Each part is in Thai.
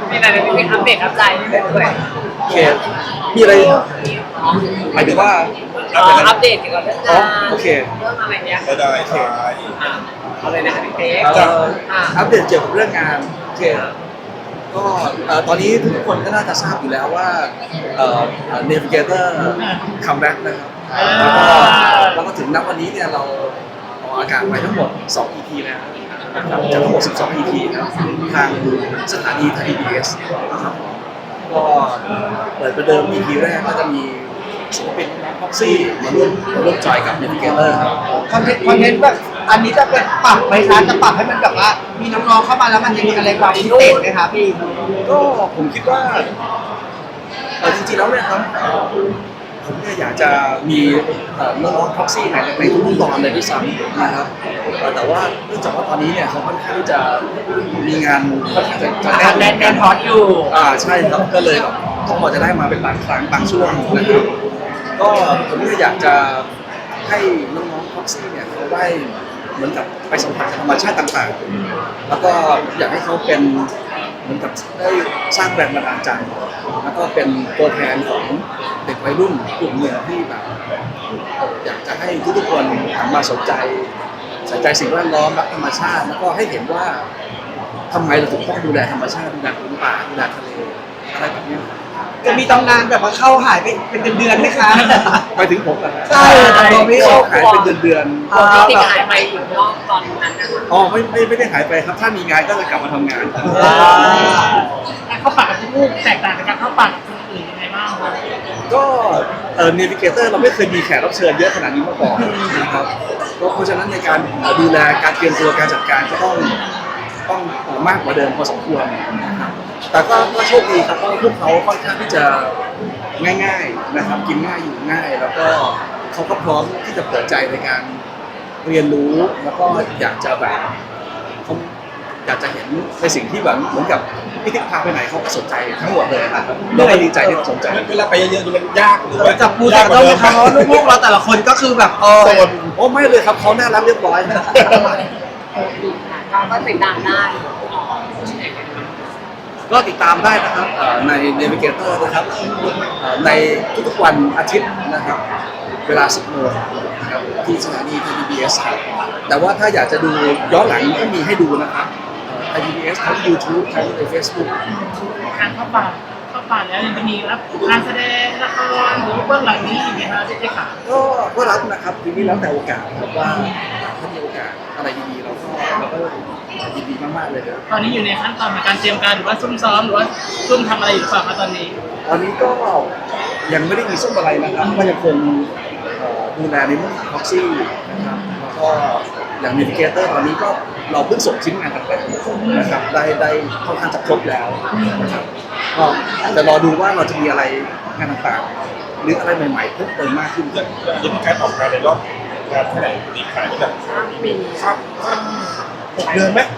มีอะไรเป็นอัปเดตอัปใจด้วยโอเคมีอะไรหมายถึงว่าอัปเดตเกี่ยวกับเรื่องงานโอเคเรื่องอะไรเนี้ยได้ใช่เอาเลยนะคะพี่เป๊กอัปเดตเกี่ยวกับเรื่องงานโอเคก็ตอนนี้ทุกคนก็น่าจะทราบอยู่แล้วว่าNavigator comeback นะครับแล้วก็ถึงณวันนี้เนี่ยเราออกอากาศไปทั้งหมด2 EP แล้วนะครับจากทั้งหมด12 EP นะครับทางสถานีไทย PBS นะครับก็เปิดประเดิม EP แรกก็จะมีศิลปินพ็อกซี่มาร่วมจอยกับ Navigator ครับคอนเทนต์แบบอันนี้จะเป็นปรับไหมคะจะปรับให้มันแบบว่ามีน้องๆเข้ามาแล้วมันจะมีอะไรความพิเศษไหมคะพี่ก็ผมคิดว่าจริงๆแล้วเนี่ยครับผมเนี่ยอยากจะมีน้องๆพ็อกซี่ในทุกๆตอนเลยด้วยซ้ำนะครับแต่ว่าเนื่องจากว่าตอนนี้เนี่ยเขาค่อนข้างที่จะมีงานค่อนข้างจะแน่นฮอตอยู่ใช่ครับก็เลยต้องพอจะได้มาเป็นบางครั้งบางช่วงนะครับก็ผมก็อยากจะให้น้องๆพ็อกซี่เนี่ยเขาได้เหมือนกับไปสัมผัสธรรมชาติต่างๆแล้วก็อยากให้เขาเป็นเหมือนกับได้สร้างแรงบันดาลใจแล้วก็เป็นตัวแทนของเด็กวัยรุ่นกลุ่มหนึ่งที่แบบอยากจะให้ทุกๆคนหันมาสนใจสิ่งแวดล้อมรักธรรมชาติแล้วก็ให้เห็นว่าทำไมเราถึงต้องดูแลธรรมชาติดูแลพื้นป่าดูแลทะเลอะไรแบบนี้จะมีตำนานแบบว่าเข้าหายไปเป็นเดือนไหมคะไปถึงผมเหรอใช่แต่ตัวพี่เข้าหายเป็นเดือนติดหายไปอยู่นอกตอนนั้นนะคะไม่ได้หายไปครับถ้ามีงานก็จะกลับมาทำงานการเข้าป่ากับลูกแตกต่างจากการเข้าป่ากับคนอื่นยังไงบ้างครับก็Navigator เราไม่เคยมีแขกรับเชิญเยอะขนาดนี้มาก่อนนะครับเพราะฉะนั้นในการดูแลการเตรียมตัวการจัดการก็ต้องมากกว่าเดิมพอสมควรนะครับแต่ก็โชคดีครับเพราะพวกเขาค่อนข้างที่จะง่ายๆนะครับกินง่ายอยู่ง่ายแล้วก็เขาก็พร้อมที่จะเปิดใจในการเรียนรู้แล้วก็อยากจะแบบเขาอยากจะเห็นในสิ่งที่แบบเหมือนกับพี่ติ๊กพาไปไหนเขาก็สนใจทั้งหมดเลยครับเราก็ดีใจที่สนใจเวลาไปเยอะๆมันยากหรือว่าจับปูจับต้องเขาลูกๆเราแต่ละคนก็คือแบบโซนไม่เลยครับเขาน่ารักเรียบร้อยนะก็ติดตามได้ก็ติดตามได้นะครับใน Navigator นะครับในทุกๆวันอาทิตย์นะครับเวลา 10 โมงนะครับที่สถานี PBS ครับแต่ว่าถ้าอยากจะดูย้อนหลังก็มีให้ดูนะครับPBS ทั้ง YouTube ทั้งใน Facebook การเข้าป่าแล้วยังจะมีรับการแสดงละครหรือเบื้องหลังนี้อีกไหมครับที่ขาก็รับนะครับทีนี้แล้วแต่โอกาสครับว่าถ้ามีโอกาสอะไรดีๆเราก็ยินดีมากๆเลยครับตอนนี้อยู่ในขั้นตอนของการเตรียมการหรือว่าซุ่มซ้อมหรือว่าซุ่มทำอะไรอยู่หรือเปล่าครับตอนนี้ก็ยังไม่ได้มีซุ่มอะไรนะครับก็ยังคงดูแลในเรื่องของพ็อกซี่นะครับแล้วก็อย่าง Navigator ตอนนี้ก็เราเพิ่งส่งชิ้นงานต่างๆนะครับได้ค่อนข้างจะครบแล้วนะครับก็จะรอดูว่าเราจะมีอะไรงานต่างๆหรืออะไรใหม่ๆเพิ่มเติมมากขึ้นยังมีการออกงานในรอบงานเท่าไหร่ตีขายแบบปีครับ6 เดือนไหม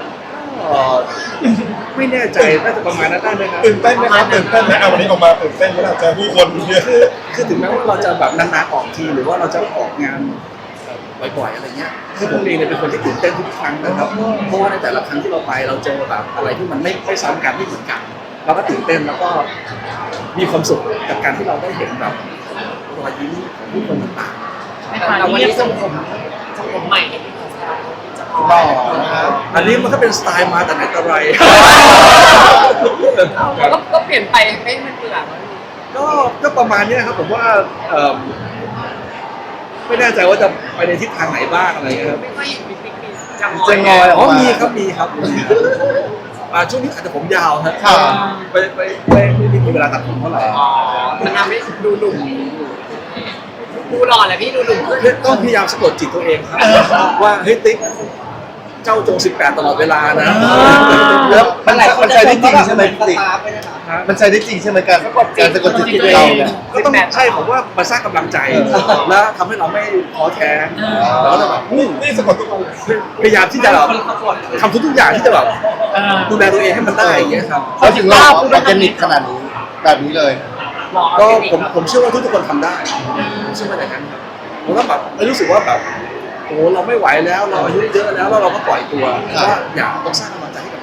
ไม่แน่ใจน่าจะประมาณนั้นได้ไหมครับตื่นเต้นไหมครับตื่นเต้นไหมวันนี้ออกมาตื่นเต้นไหมล่ะเจอผู้คนเยอะคือถึงแม้ว่าเราจะแบบนานๆออกทีหรือว่าเราจะออกงานบ่อยๆอะไรเงี้ยคือผมเองเป็นคนที่ตื่นเต้นทุกครั้งนะครับเพราะว่าในแต่ละครั้งที่เราไปเราเจอแบบอะไรที่มันไม่ซ้ำกันไม่เหมือนกันเราก็ตื่นเต้นแล้วก็มีความสุขกับการที่เราได้เห็นแบบรอยยิ้มของผู้คนต่างๆแต่วันนี้ทรงผมใหม่อันนี้มันก็เป็นสไตล์มาแต่ไหนแต่ไรก็เปลี่ยนไปไม่มันเบื่อก็ประมาณนี้ครับผมว่าไม่แน่ใจว่าจะไปในทิศทางไหนบ้างอะไรเงี้ยครับไม่ค่อยเห็นมีปิ๊กจะงอยมีครับช่วงนี้อาจจะผมยาวครับไม่มีเวลาตัดผมเท่าไหร่มันทำให้ดูหนุ่มดูหล่อแหละพี่ดูหนุ่มต้องพยายามสะกดจิตตัวเองครับว่าเฮ้ยติ๊กเจ้าจง18ตลอดเวลานะแล้วมันใช้ได้จริงใช่ไหมติ๊กมันใช้ได้จริงใช่ไหมการสะกดจิตเราเนี่ยก็ต้องใช่ผมว่ามันสร้างกำลังใจแล้วทำให้เราไม่ท้อแท้แล้วก็แบบนี่สะกดทุกคนพยายามที่จะแบบทำทุกอย่างที่จะแบบดูแลตัวเองให้มันได้อย่างเงี้ยครับเขาถึงเราออร์แกนิกขนาดนี้แบบนี้เลยก็ผมเชื่อว่าทุกคนทำได้ผมเชื่อว่าอย่างนั้นครับผมก็แบบรู้สึกว่าแบบโอ้เราไม่ไหวแล้วเราอายุเยอะแล้วเราก็ปล่อยตัวว่าอย่าต้องสร้างกำลังใจให้กับตัวเอง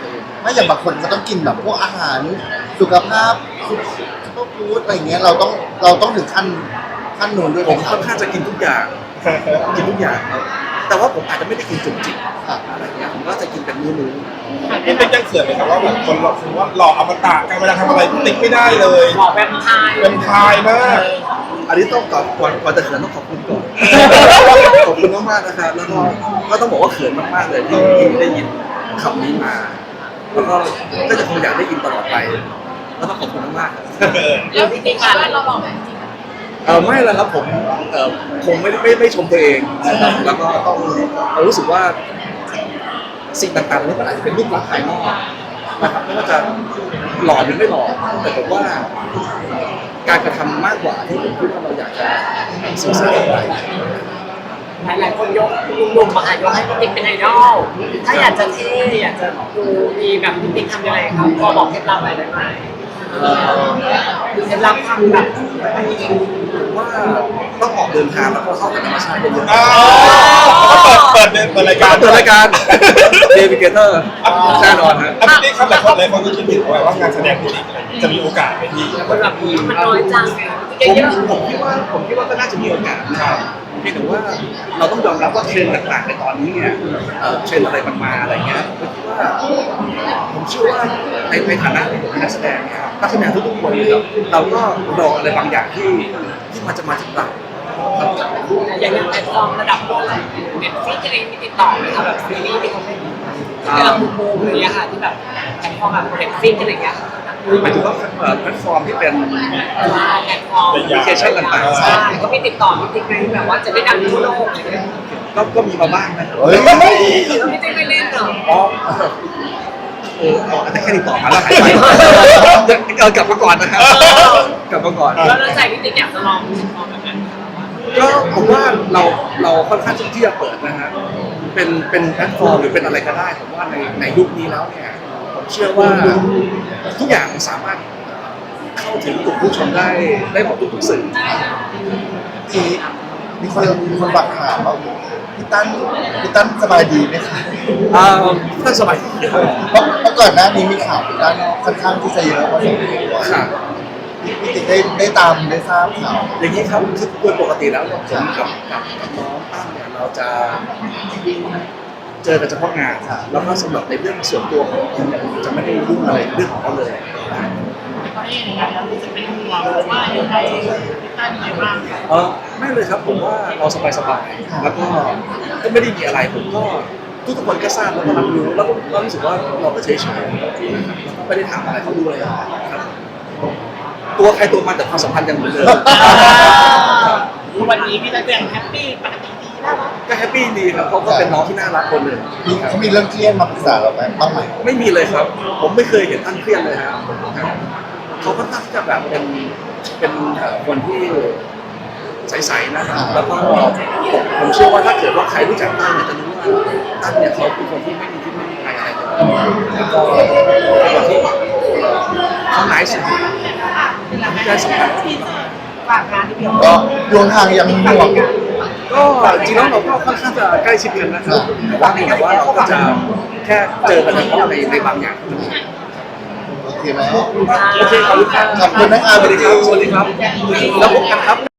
ถ้าอย่างบางคนก็ต้องกินแบบพวกอาหารสุขภาพซุปเปอร์ฟู้ดอะไรเงี้ยเราต้องถึงขั้นนู้นด้วยไหผม มครัค่บอนข้างจะกินทุกอย่างกินทุกอย่างครับแต่ว่าผมอาจจะไม่ได้กินจุกจิกอะไรเงี้ยผมก็จะกินเป็นมื้อพี่ติ๊กยังเขินไหมครับว่าแบบคนเราคือว่าหล่ออมตะการเวลาทำอะไรพี่ติ๊กไม่ได้เลยบอกแวมไพร์เป็นพายมากๆอันนี้ต้องก่อนจะเขินต้องขอบคุณก่อนขอบคุณมากๆนะครับแล้วก็ต้องบอกว่าเขินมากๆเลยที่ได้ยินคำนี้มาแล้วก็จะคงอยากได้ยินตลอดไปแล้วก็ขอบคุณมากๆครับแล้วพี่ติ๊กค่ะเราบอกแบบจริงไม่แล้วครับผมคงไม่ชมตัวเองนะครับแล้วก็ต้องรู้สึกว่าสิ่งต่างๆนี่มันอาจจะเป็นรูปลักษณ์ภายนอกนะครับไม่ว่าจะหล่อหรือไม่หล่อแต่ผมว่าการกระทำมากกว่าที่ผมพูดว่าเราอยากจะสื่อสารอะไรหลายคนยกหนุ่มๆมาหายกให้พี่ติ๊กเป็นไอดอลถ้าอยากจะเท่อยากจะดูดีแบบพี่ติ๊กทำยังไงครับพอบอกเคล็ดลับอะไรได้ไหมเคล็ดลับทำแบบว่าต้องออกเดินทางแล้วก็เข้ากับธรรมชาติเยอะเปิดรายการเปิดรายการเดวิเกเตอร์แน่นอนฮะพี่ติ๊กครับหลายคนก็คิดถึงว่างานแสดงพี่ติ๊กจะมีโอกาสไหมพี่คนแบบมันน้อยจังไงผมคิดว่าก็น่าจะมีโอกาสนะครับเพียงแต่ว่าเราต้องยอมรับว่าเทรนด์ต่างๆในตอนนี้เนี่ยเทรนด์อะไรมันมาอะไรเงี้ยผมเชื่อว่าในฐานะที่ผมเป็นนักแสดงเนี่ยนักแสดงทุกๆคนนะครับเราก็รออะไรบางอย่างที่มันจะมาจากเราครับอย่างแพลตฟอร์มระดับโลกเน็ตฟลิกอะไรมีติดต่อไหมคะแบบซีรีส์ที่เขาเล่นที่เราบูมอย่างเงี้ยค่ะที่แบบแพลตฟอร์มแบบเน็ตฟลิกอะไรเงี้ยหมายถึงว่าแพลตฟอร์มที่เป็นแพลตฟอร์มแอปพลิเคชันต่างๆใช่ก็มีติดต่อมีติ๊กไหมแบบว่าจะได้ดังทั่วโลกอะไรเงี้ยก็มีมาบ้างนะครับเฮ้ยไม่ได้ไม่เล่นเหรออ๋อแต่แค่ติดต่อมาแล้วหายไปกลับมาก่อนนะครับกลับมาก่อนแล้วเราใจพี่ติ๊กอยากจะลองแบบนั้นก็ผมว่าเราค่อนข้างที่จะเปิดนะฮะเป็นแพลตฟอร์มหรือเป็นอะไรก็ได้ผมว่าในยุคนี้แล้วเนี่ยผมเชื่อว่าทุกอย่างสามารถเข้าถึงกลุ่มผู้ชมได้หมดทุกสื่อทีนี้มีคนฝากถามว่าพี่ตั้นสบายดีไหมคะท่านสบายดีครับเพราะก่อนหน้านี้มีข่าวพี่ตั้นค่อนข้างที่จะเยอะพอสมควรค่ะพี่ติ๊กได้ตามได้ทราบข่าวอย่างนี้ครับคือโดยปกติแล้วเนี่ยผมกับน้องตั้มเนี่ยเราจะเจอกันเฉพาะงานแล้วก็สำหรับในเรื่องส่วนตัวของเขาเนี่ยผมจะไม่ได้ยุ่งอะไรเรื่องของเขาเลยตอนนี้อย่างไรเราจะเป็นห่วงหรือว่ายังไงพี่ตั้นยังไงบ้างไม่เลยครับผมว่าเราสบายๆแล้วก็ไม่ได้มีอะไรผมก็ทุกคนก็ทราบแล้วก็รับรู้แล้วก็รู้สึกว่าเราก็เฉยๆแล้วก็ไม่ได้ถามอะไรเขาด้วยครับตัวใครตัวมันแต่ความสัมพันธ์ยังเหมือนเดิมวันนี้พี่ตั้นยังแฮปปี้ปกติดีน่ารักก็แฮปปี้ดีครับเขาก็เป็นน้องที่น่ารักคนหนึ่งเขามีเรื่องเครียดมาปรึกษาเราไหมบ้างไหมไม่มีเลยครับ ผมไม่เคยเห็นท่านเครียดเลยครับเขาก็ตั้งจะแบบเป็นคนที่ใสๆนะครับแล้วก็ผมเชื่อว่าถ้าเกิดว่าใครรู้จักตั้นเนี่ยจะรู้ว่าตั้นเนี่ยเขาเป็นคนที่ไม่มีพิษไม่มีภัยอะไรเลยแล้วก็เป็นคนที่เขาหนายสุดได้สัมผัสฝากงานที่พี่ก็ดวงทางยังห่วงก็จริงๆแล้วเราก็ค่อนข้างจะใกล้ชิดกันนะครับแต่ว่าเราก็จะแค่เจอกันเฉพาะในบางอย่างเท่านั้นเองโอเคไหมโอเคขอบคุณครับขอบคุณนะครับสวัสดีครับ สวัสดีครับ แล้วพบกันครับ